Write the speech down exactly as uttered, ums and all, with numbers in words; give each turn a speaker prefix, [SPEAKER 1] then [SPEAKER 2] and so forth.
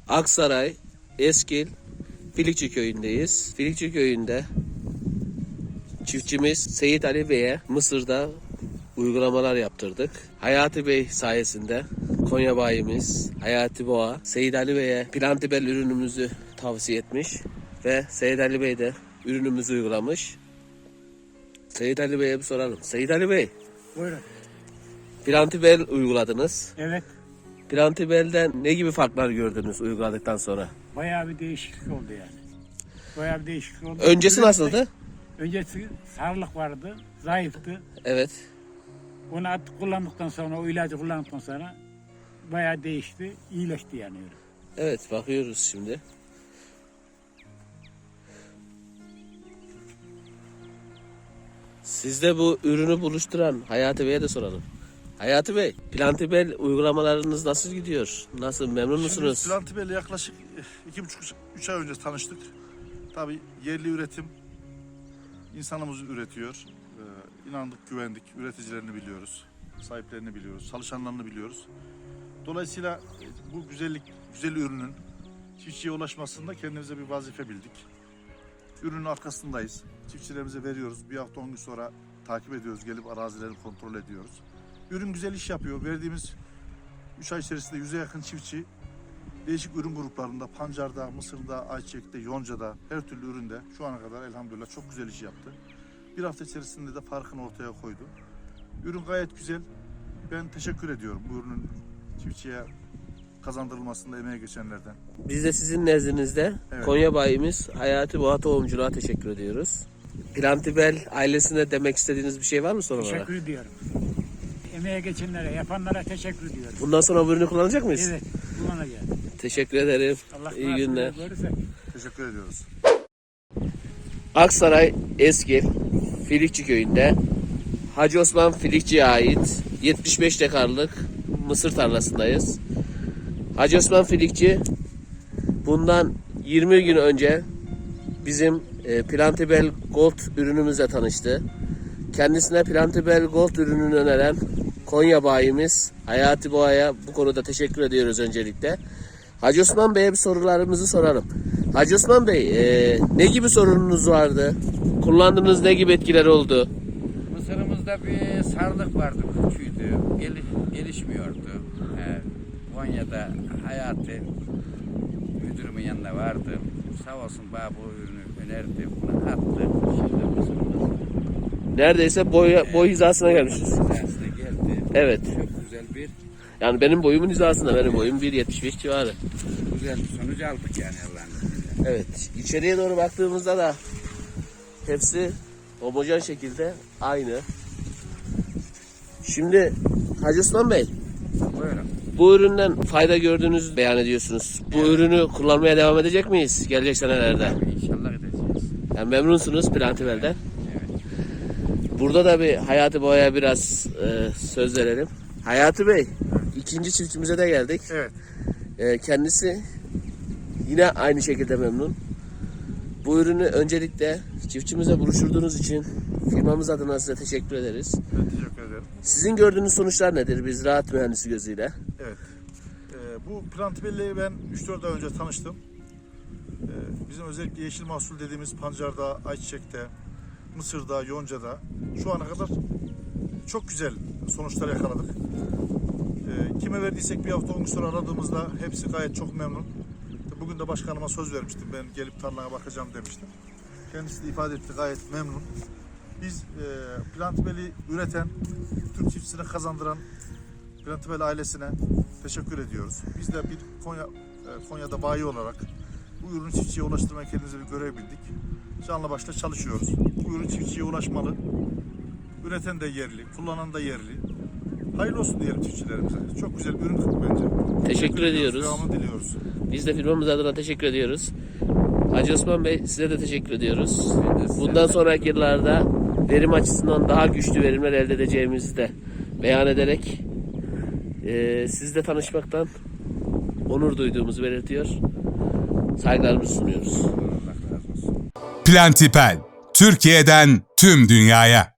[SPEAKER 1] Aksaray, Eskil, Filikçi köyündeyiz. Filikçi köyünde çiftçimiz Seyit Ali Bey'e Mısır'da uygulamalar yaptırdık. Hayati Bey sayesinde Konya bayimiz Hayati Boğa Seyit Ali Bey'e Plantibel ürünümüzü tavsiye etmiş ve Seyit Ali Bey de ürünümüzü uygulamış. Seyit Ali Bey'e bir soralım. Seyit Ali Bey,
[SPEAKER 2] Buyurun.
[SPEAKER 1] Plantibel uyguladınız.
[SPEAKER 2] Evet.
[SPEAKER 1] Plantibel'den ne gibi farklar gördünüz uyguladıktan sonra?
[SPEAKER 2] Bayağı bir değişiklik oldu yani. Bayağı bir değişiklik oldu.
[SPEAKER 1] Öncesi nasıldı?
[SPEAKER 2] Öncesi sarılık vardı, zayıftı.
[SPEAKER 1] Evet.
[SPEAKER 2] Onu at kullandıktan sonra, o ilacı kullandıktan sonra bayağı değişti, iyileşti yani.
[SPEAKER 1] Evet, bakıyoruz şimdi. Sizde bu ürünü buluşturan Hayati Bey'e de soralım. Hayati Bey, Plantibel uygulamalarınız nasıl gidiyor? Nasıl, memnun musunuz?
[SPEAKER 3] Şimdi Plantibel'le yaklaşık iki buçuk üç ay önce tanıştık. Tabii yerli üretim insanımız üretiyor. Ee, inandık, güvendik. Üreticilerini biliyoruz. Sahiplerini biliyoruz. Çalışanlarını biliyoruz. Dolayısıyla bu güzellik, güzel ürünün çiftçiye ulaşmasında kendimize bir vazife bildik. Ürünün arkasındayız. Çiftçilerimize veriyoruz. Bir hafta on gün sonra takip ediyoruz. Gelip arazileri kontrol ediyoruz. Ürün güzel iş yapıyor. Verdiğimiz üç ay içerisinde yüze yakın çiftçi değişik ürün gruplarında, pancarda, mısırda, ayçiçekte, yoncada, her türlü üründe şu ana kadar elhamdülillah çok güzel iş yaptı. Bir hafta içerisinde de farkını ortaya koydu. Ürün gayet güzel. Ben teşekkür ediyorum bu ürünün çiftçiye kazandırılmasında emeği geçenlerden.
[SPEAKER 1] Biz de sizin nezdinizde
[SPEAKER 3] Evet.
[SPEAKER 1] Konya bayimiz Hayati Boğa Tohumculuğa teşekkür ediyoruz. Plantibel ailesine demek istediğiniz bir şey var mı son olarak?
[SPEAKER 2] Teşekkür ediyorum. Emeğe geçenlere, yapanlara teşekkür ediyorum.
[SPEAKER 1] Bundan sonra bu ürünü kullanacak mıyız?
[SPEAKER 2] Evet, kullanacağız.
[SPEAKER 1] Teşekkür ederim.
[SPEAKER 2] Allah
[SPEAKER 1] İyi günler.
[SPEAKER 2] görürse.
[SPEAKER 3] Teşekkür ediyoruz.
[SPEAKER 1] Aksaray Eskil Filikçi köyünde Hacı Osman Filikçi'ye ait yetmiş beş dekarlık mısır tarlasındayız. Hacı Osman Filikçi bundan yirmi gün önce bizim e, Plantibel Gold ürünümüzle tanıştı. Kendisine Plantibel Gold ürününü öneren Konya bayimiz Hayati Boğa'ya bu konuda teşekkür ediyoruz öncelikle. Hacı Osman Bey'e bir sorularımızı soralım. Hacı Osman Bey, e, ne gibi sorununuz vardı? Kullandığınız ne gibi etkiler oldu?
[SPEAKER 4] Mısırımızda bir sarılık vardı, küçüğüydü, gel, gelişmiyordu. Ee, Konya'da Hayati müdürümün yanında vardı. Sağ olsun bana bu ürünü önerdi, bunu attı. Şimdi mısırımız
[SPEAKER 1] Neredeyse boy, boy hizasına gelmişiz.
[SPEAKER 4] hizasına geldi.
[SPEAKER 1] Evet.
[SPEAKER 4] Çok güzel bir
[SPEAKER 1] Yani benim boyumun hizasında, benim boyum bir yetmiş beş civarı.
[SPEAKER 4] güzel bir sonuç aldık yani Allah'ın izniyle.
[SPEAKER 1] Evet, içeriye doğru baktığımızda da hepsi homojen şekilde aynı. Şimdi Hacı Osman Bey,
[SPEAKER 4] Buyurun.
[SPEAKER 1] bu üründen fayda gördüğünüzü beyan ediyorsunuz. Bu
[SPEAKER 4] Evet.
[SPEAKER 1] ürünü kullanmaya devam edecek miyiz gelecek senelerde?
[SPEAKER 4] İnşallah edeceğiz.
[SPEAKER 1] Yani memnunsunuz Plantibel'den.
[SPEAKER 4] Evet.
[SPEAKER 1] Burada da bir Hayati Boğa'ya biraz e, söz verelim. Hayati Bey, ikinci çiftçimize de geldik.
[SPEAKER 3] Evet.
[SPEAKER 1] E, kendisi yine aynı şekilde memnun. Bu ürünü öncelikle çiftçimize buluşturduğunuz için firmamız adına size teşekkür ederiz.
[SPEAKER 3] Ben teşekkür ederim.
[SPEAKER 1] Sizin gördüğünüz sonuçlar nedir biz ziraat mühendisi gözüyle?
[SPEAKER 3] Evet. Ee, bu Plantibel'le ben üç dört ay önce tanıştım. Ee, bizim özellikle yeşil mahsul dediğimiz pancarda, ayçiçekte, mısırda, yoncada şu ana kadar çok güzel sonuçlar yakaladık. Ee, kime verdiysek bir hafta on gün sonra aradığımızda hepsi gayet çok memnun. Bugün de başkanıma söz vermiştim. Ben gelip tarlaya bakacağım demiştim. Kendisi de ifade etti, gayet memnun. Biz e, Plantibel'i üreten, Türk çiftçisine kazandıran Plantibel ailesine teşekkür ediyoruz. Biz de bir Konya, e, Konya'da bayi olarak bu ürünü çiftçiye ulaştırmaya kendimize bir görev bildik. Canla başla çalışıyoruz. Bu ürün çiftçiye ulaşmalı. Üreten de yerli, kullanan da yerli. Hayırlı olsun diyelim çiftçilerimize. Çok güzel bir ürün bence.
[SPEAKER 1] Teşekkür ediyoruz.
[SPEAKER 3] Devamını diliyoruz.
[SPEAKER 1] Biz de firmamız adına teşekkür ediyoruz. Hacı Osman Bey, size de teşekkür ediyoruz.
[SPEAKER 4] de size
[SPEAKER 1] Bundan sonraki yıllarda verim açısından daha güçlü verimler elde edeceğimizi de beyan ederek e, sizle tanışmaktan onur duyduğumuzu belirtiyor. Saygılarımızı sunuyoruz.
[SPEAKER 4] Allah razı olsun.
[SPEAKER 5] Plantibel, Türkiye'den tüm dünyaya.